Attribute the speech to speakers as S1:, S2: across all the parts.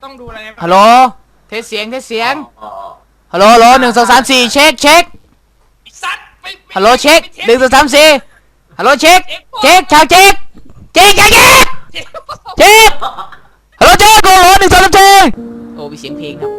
S1: ต้องดูอะไร
S2: ฮัลโหลเทสเสียงฮัลโหล1 2 3 4เช็ค
S1: สัตว์
S2: ฮัลโหลเช็ค1 2 3 4ฮัลโหลเช็คชาวเช็คฮัลโหลเช็คโอ้โห1 2 3 4โอ้มีเสียงเพลงครับ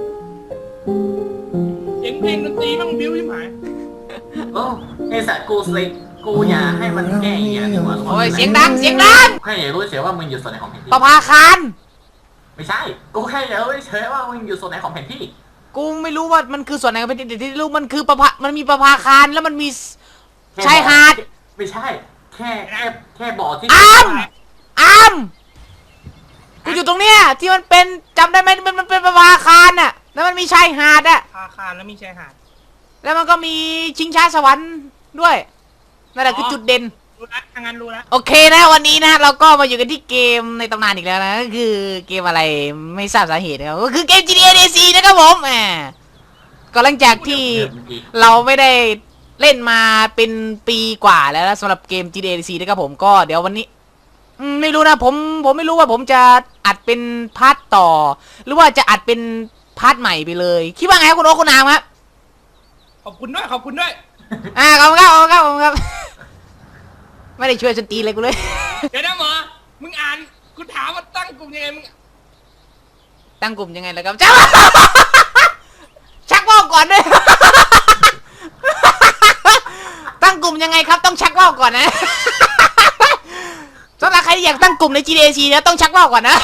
S1: เสียงเพลงดนตรีต้องบิ้วยิ่งหาย
S3: โอ้ไอสัตว์กูสิกูอย่าให้มันแก้อย่างเงี้ยดีกว่า
S2: โอ้ยเสียงดัง
S3: แค่อยากรู้เฉยว่ามึงอยู่ส่วนไหนของแผนที่
S2: ประภาคาร
S3: ไม่ใช่กูแค่อยากรู้เฉยว่ามึงอยู่ส่วนไหนของแผนที่
S2: กูไม่รู้ว่ามันคือส่วนไหนของแผนที่ที่รู้มันคือมันมีประภาคารแล้วมันมีชายหาด
S3: ไม่ใช่แค่บ่อที่
S2: อามกูอยู่ตรงเนี้ยที่มันเป็นจำได้ไหมมันเป็นประภาคารน่ะแล้วมันมีชายหาดอะ
S1: ประภาคารแล้วมีชายหาด
S2: แล้วมันก็มีชิงช้าสวรรค์ด้วยนั่นแหละคือจุดเด่น
S1: รู้ละทางนั้นรู้ละ
S2: โอเคนะวันนี้นะเราก็มาอยู่กันที่เกมในตำนานอีกแล้วนะก็คือเกมอะไรไม่ทราบสาเหตุนะครับก็คือเกม GTA DC นะครับผมก็หลังจากที่เราไม่ได้เล่นมาเป็นปีกว่าแล้วสำหรับเกม GTA DC นะครับผมก็เดี๋ยววันนี้ไม่รู้นะผมไม่รู้ว่าผมจะอัดเป็นพาร์ทต่อหรือว่าจะอัดเป็นพาร์ทใหม่ไปเลยคิดว่าไงคุณโอ๊คคุณนามครับ
S1: ขอบคุณด้วยขอบคุณครับ
S2: ไม่ได้ช่วยจนตีเลยกูเลย
S1: เดี๋ยวนะหมอมึงอ่านกูถามว่าตั้งกลุ่มยังไงมึง
S2: ตั้งกลุ่มยังไงล่ะครับชักว่าวก่อนด้วยตั้งกลุ่มยังไงครับต้องชักว่าวก่อนนะสำหรับใครที่อยากตั้งกลุ่มใน GTA นะต้องชักว่าวก่อนนะ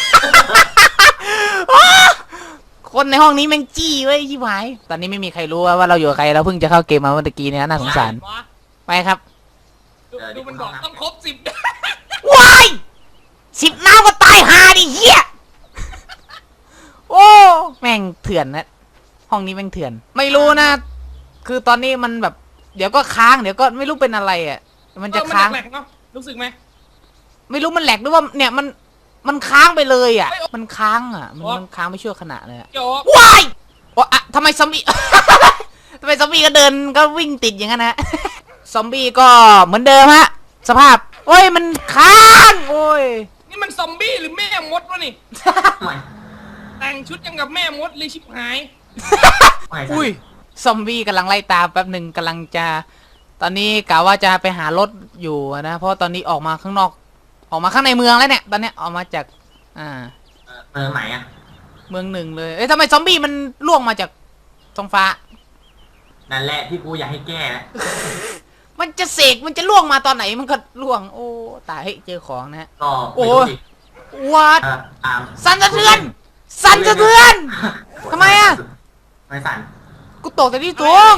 S2: คนในห้องนี้แม่งจี้เว้ยชิบหายตอนนี้ไม่มีใครรู้ว่าเราอยู่กับใครเราเพิ่งจะเข้าเกมมาเมื่อกี้เนี่ยน่าสงสารไปครับ
S1: ดูมันบอกต้องครบ
S2: 10ว้าย10น้ำก็ตายหาดิเหี้ยโอ้แม่งเถื่อนนะห้องนี้แม่งเถื่อนไม่รู้นะคือตอนนี้มันแบบเดี๋ยวก็ค้างเดี๋ยวก็ไม่รู้เป็นอะไรอ่ะมันจะค้าง
S1: เนาะรู้สึกไหม
S2: ไม่รู้มันแหลกหรือว่าเนี่ยมันค้างไปเลยอ่ะมันค้างอ่ะมันค้างไม่ชั่วขณะเลยว้ายอะทำไมซอมบี้ก็เดินก็วิ่งติดอย่างนั้นนะซอมบี้ก็เหมือนเดิมฮะสภาพโอ้ยมันค้างโอ้ย
S1: นี่มันซอมบี้หรือแม่มดวะนี่แต่งชุดยังกับแม่มดเลยชิบหาย
S2: อุ้ยซอมบี้กำลังไล่ตามแป๊บหนึ่งกำลังจะตอนนี้กะว่าจะไปหารถอยู่นะเพราะตอนนี้ออกมาข้างนอกออกมาข้างในเมืองแล้วเนี่ยตอนนี้ออกมาจาก
S3: เมืองไหนอะ
S2: เมือง1เลยทำไมซอมบี้มันล่วงมาจากท้องฟ้า
S3: นั่นแหละที่กูอยากให้แก้
S2: มันจะเสกมันจะล่วงมาตอนไหนมันก็ล่วงโอ้ตายเจอของนะ
S3: ก็
S2: โอ้วัดสั่นสะเทือนทำไมอะ
S3: ไม่สั่น
S2: กูตกแต่ที่ตรง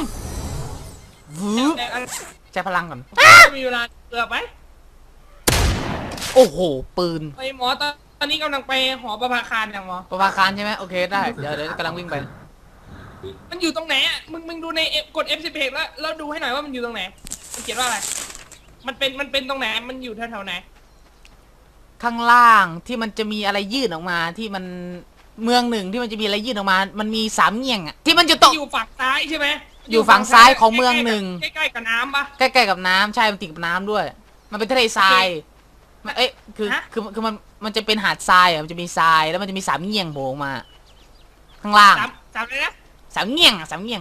S2: ใช้พลังก่อน
S1: มีเวลาเกือบไหม
S2: โอ้โหปืน
S1: ไอหมอตอนนี้กำลังไปหอประภาคารอย่างหมอ
S2: ประภาคารใช่ไหมโอเคได้เดี๋ยวกำลังวิ่งไป
S1: มันอยู่ตรงไหนอ่ะมึงดูในกด F11 แล้วดูให้หน่อยว่ามันอยู่ตรงไหนมันเขียนว่าอะไรมันเป็นตรงไหนมันอยู่แถวไหน
S2: ข้างล่างที่มันจะมีอะไรยื่นออกมาที่มันเมือง1ที่มันจะมีอะไรยื่นออกมามันมี3เงี่ยงอ่ะที่มันจะตก
S1: อยู่ฝั่งซ้ายใช่ไหม
S2: อยู่ฝั่งซ้ายของเมือง1
S1: ใกล้ๆกับน้ำปะ
S2: ใกล้ๆกับน้ำใช่มันติดกับน้ำด้วยมันเป็นทะเลทรายคือมันจะเป็นหาดทรายอ่ะมันจะมีทรายแล้วมันจะมี3เงี่ยงโผล่มาข้างล่าง
S1: 3เลยนะ
S2: 3เงี่ยง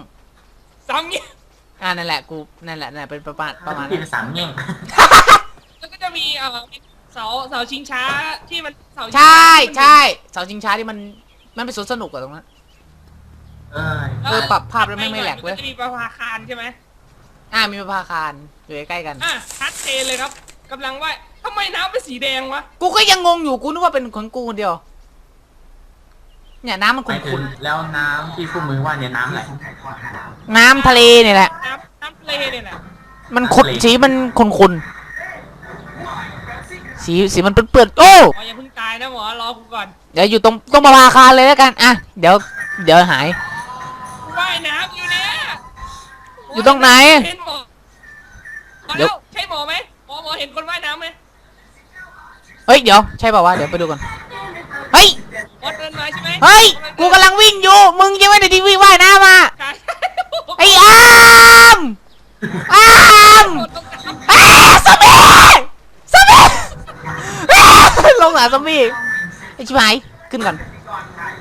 S2: นั่นแหละกูนั่นแหละเป็นประมาณ
S3: ที่3เงี่ยง
S1: แล้วก็จะมีเสาชิงช้าที่มันเสา
S2: ใช่เสาชิงช้าที่มันเป็นสวนสนุกอะตรงนั้นปรับภาพแล้วไม่แหลกเลย
S1: จะมีประภาคารใช่ไหม
S2: มีประภาคารอยู่ใกล้กัน
S1: ชัดเจนเลยครับกำลังว่าทำไมน้ำเป็นสีแดงวะ
S2: กูก็ยังงงอยู่กูนึกว่าเป็นของกูคนเดียวเนี่ยน้ำมันขุ่น
S3: แล้วน้ำที่พวกมึงว่าเนี่ยน้ำอะไร
S2: น้ำทะเลเนี่ยแหละ
S1: น้ำทะเลเนี่ยแหละ
S2: มันขุ่นสีมันขุ่นสีมันเปื้อนโอ้
S1: อย่าเพิ่งตายนะหมอรอกูก่อน
S2: เดี๋ยวอยู่ตรงประภาคารเลยแล้วกันเดี๋ยวหาย
S1: ว่ายน้ำอยู่เนี่ย
S2: อยู่ตรงไหน
S1: เดี๋ยวใช่หมอไหมหมอเห็นคนว่ายน้ำไหม
S2: เฮ้ยเดี๋ยวใช่ป่าววะเดี๋ยวไปดูก่อนเฮ้ย
S1: เดินมาใช่ไหม
S2: เฮ้ยกูกำลังวิ่งอยู่มึงยังไม่ได้ทีวีว่ายน้ำมาไอ้อามซอมบี้ลงหาซอมบี้ไอ้ชิบหายขึ้นก่อน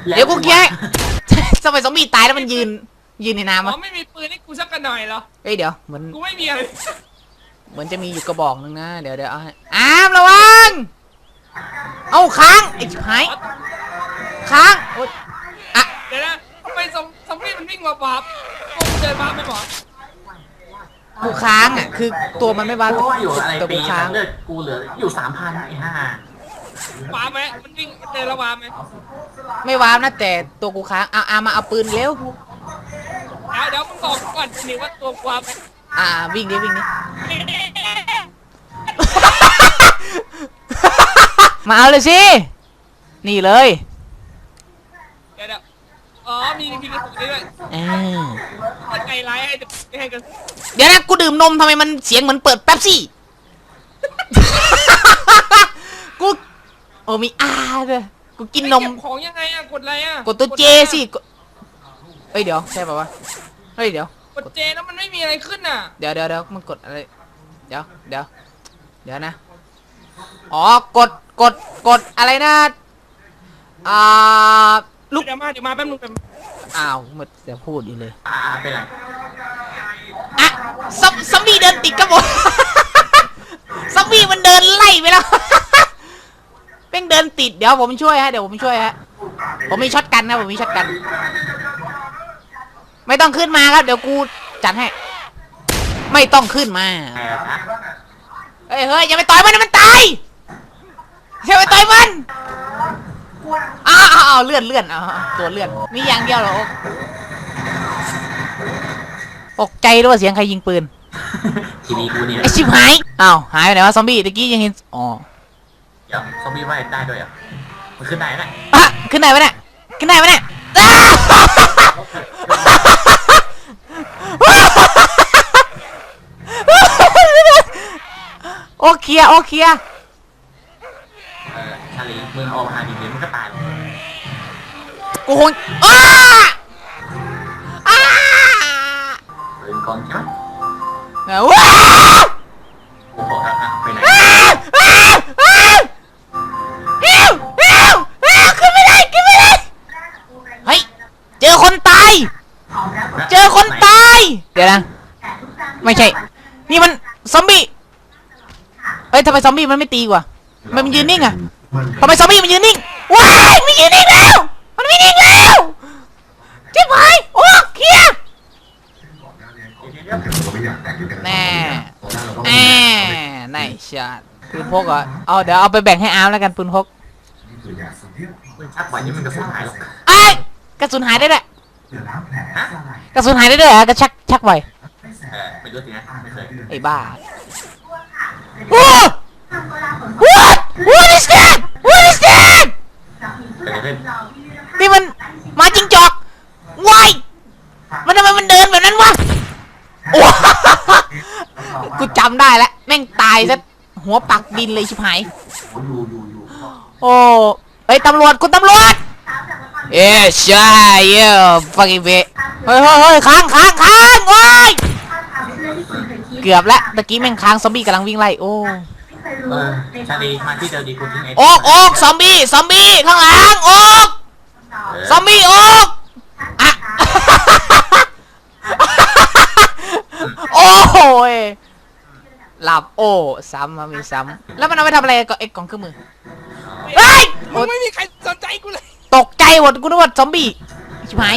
S2: เดี๋ยวกูเคลียร์ทำไมซอมบี้ตายแล้วมันยืนในน้ำ
S1: อ๋อ
S2: วะ
S1: ไม่มีปืนให้กูสักกันหน่อยเหรอ
S2: เฮ้ยเดี๋ยวเหมือน
S1: กูไม่มีอะไร
S2: เหมือนจะมีอยู่กระบอกนึงนะเดี๋ยวเอาให้อามระวังเอาค้างไอ้ชิบหายค้างโอ๊ยอ่ะ
S1: เดี๋ยวนะทำไมซอมบี้มันวิ่งมาปั๊บกูเดินปั๊บไม่หมอ
S2: กูค้างอ่ะคือตัวมันไม่บ้า
S3: เพราะว่าอยู่อะไร
S2: ตัว
S3: ปี
S2: กูค้าง
S3: เลือดกูเหลืออยู่3,000ไอ้ห่า
S1: ปั๊บไหมมันวิ่งเดินระวาไหม
S2: ไม่ว้าวนะแต่ตัวกูค้างเอามาเอาปืนเร็ว
S1: เดี๋ยวมึงบอกก่อนนี่ว่าตัวกวาไหม
S2: วิ่งดิมาเอาเลยสินี่เลย
S1: เดี๋ยวอ๋อมีกระสุนด้วย มันไงร้ายให้กัน
S2: เดี๋ยวนะกูดื่มนมทำไมมันเสียงเหมือนเปิดแป๊บซี่ กูโอ้มีด้วยกูกินนม
S1: เก็บของยังไงอะกดอะไรอะ
S2: กดตัวเจสิเฮ้ยเดี๋ยวใช่ป่าวะเฮ้ยเดี๋ยว
S1: กดเจแล้วมันไม่มีอะไรขึ้นอะ
S2: เดี๋ยวมันกดอะไรเดี๋ยวนะอ๋อกดอะไรนะลูก
S1: เดี๋ยวมาแป๊บนึงแป๊บ
S2: อ้าวมันจะพูดอยู่เลย
S3: เป็นไร
S2: อ่ะซอมบี้เดินติดกับผม ซอมบี้มันเดินไล่ไปแล้ว เป้งเดินติดเดี๋ยวผมช่วยฮะผมมีช็อตกันนะผมมีช็อตกันไม่ต้องขึ้นมาครับเดี๋ยวกูจัดให้ไม่ต้องขึ้นมา เฮ้ยอย่าไปต่อยมันนะมันตายอย่าไปต่อยมันอ้าวเลื่อนตัวเลื่อนมีอย่างเดียวเหรอตกใจด้วยเสียงใครยิงปืน
S3: ทีวีกูเนี่ย
S2: ไอชิบหายหายไปไหนวะซอมบี้ตะกี้ยังเห็นอ๋อ
S3: เดี๋ยวซอมบี้ว่ายได้ด้วยอ่ะมันขึ้นไหนน่ะ
S2: ขึ้นไหนวะเนี่ยโอเคลียร์
S3: ชาลีมึงออกมาหาดิมันก็ตายหรอก
S2: กูคง
S3: เป็นกองใช่ไหม
S2: ว้า
S3: โอ้โหไปไหน
S2: ขึ้นไม่ได้เฮ้ยเจอคนตายเดี๋ยวนะไม่ใช่นี่มันซอมบี้เฮ้ยทำไมซอมบี้มันไม่ตีกว่ามันยืนนิ่งอะทำไมซอมบี้มันยืนนิ่งว้ายมันยืนนิ่งแล้วเจ็บหายโอ้เคลียร์แน่ในชาติปืนพกเหรอเอาเดี๋ยวเอาไปแบ่งให้อาร์มแล้วกันปืนพก
S3: มึงชักไหวนี่มันกระสุนหายหรอก
S2: ไอ้กระสุนหายได้ด้วยกระสุนหายได้ด้วยกระชักไว
S3: ไม่รู้สินะไม่เคย
S2: ไอ้บ้าWhat is that
S3: เกิดอะไรขึ้น
S2: นี่มันหมาจิ้งจอกวายมันทำไมมันเดินแบบนั้นวะโอ้ กูจำได้แล้วแม่งตายซะหัวปักดินเลยชิบหายโอ้เฮ้ยตำรวจคุณตำรวจใช่ฟังอีเวเฮ้ยค้างโอ้ยเกือบแล้วตะกี้แม่งค้างซอมบี้กำลังวิ่งไล่โอ้
S3: ชาลีมาที่เดิมดีกูทิ้งไอ้
S2: โอ๊กซอมบี้ข้างหลังโอ๊กซอมบี้โอ๊กอะ โอ้ยหลับโอ้ซ้ำมามีซ้ำแล้วมันเอาไปทำอะไรกับไอ้กล่องเครื่องมือเฮ้ย
S1: มึงไม่มีใครสนใจกูเลย
S2: ตกใจหมดกูนึกว่าซอมบี้ชิบหาย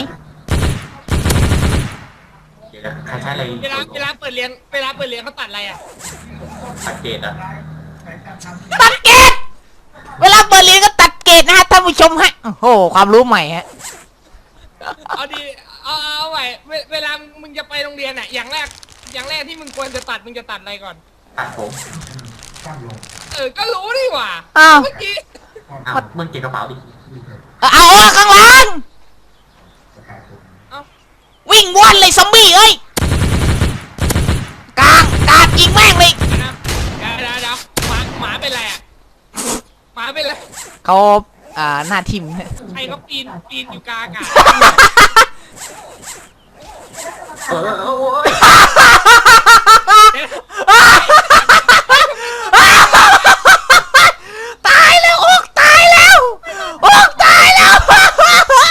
S3: ใครใช้อะไร
S1: เวลาเปิดเรียนเขาตัดอะไรอะ
S3: สังเกตอ่ะ
S2: ตัดเกตเวลาเปิดเรียนก็ตัดเกตนะฮะท่านผู้ชมฮะโอ้โหความรู้ใหม่ฮะ
S1: เอาดีเอาไว้เวลามึงจะไปโรงเรียนอะอย่างแรกที่มึงควรจะตัดมึงจะตัดอะไรก่อน
S3: ตัดผม
S1: ก็รู้ดิว่ะ
S2: อ้าว
S1: เมื่อกี้
S3: มึงเก็บกระเป๋าดิ
S2: เอาข้างหลัง
S1: เอา
S2: วิ่งว่อนเลยซอมบี้เอ้ยกาดยิงแม่งเลย
S1: เดี๋ยวหมาเป็นไรอะหมาเป็นไร
S2: เขาหน้าทิม
S1: ใครเขาปีนอยู่กลางอากาศ
S3: โอ้ย
S2: ตายแล้วโอ๊กตายแล้ว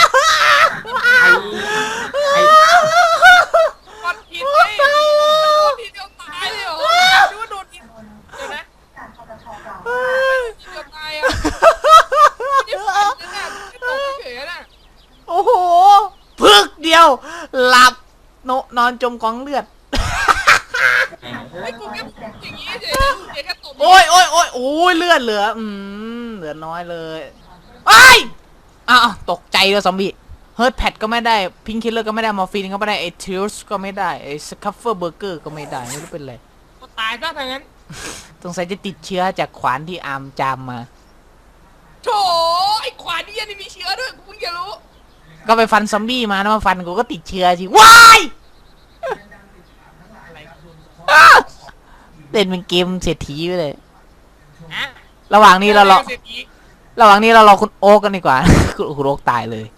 S2: หลับนอนจมกองเลือด
S1: ไอ้กูแค่อย่างงี้เฉยแค่ตบ
S2: โอ้ยเลือดเหลือเหลือน้อยเลยไอ้ยอ้าวตกใจเลยซอมบี้เฮิร์ตแพดก็ไม่ได้พิงคิลเลอร์ก็ไม่ได้มอร์ฟีนก็ไม่ได้ไอ้ทิลส์ก็ไม่ได้ไอ้สคัฟเฟอร์เบอร์เกอร์ก็ไม่ได้ไม่รู้เป็นไร
S1: กูตายซะทางนั้น
S2: สงสัยจะติดเชื้อจากขวานที่อาร์มจามมา
S1: โถไอ้ขวานนี่ยังมีเชื้อด้วยกูเพิ่งจะรู้
S2: ก็ไปฟันซอมบี้มานะมาฟันกูก็ติดเชื้อสิว้าย อ้าเล่นเป็นเกมเศรษฐีไปเลย
S1: อะ
S2: ระหว่างนี้เรารอ
S1: เศรษฐี
S2: ระหว่างนี้เรารอคุณโอ๊กกันดีกว่า คุณโอ๊กตายเลย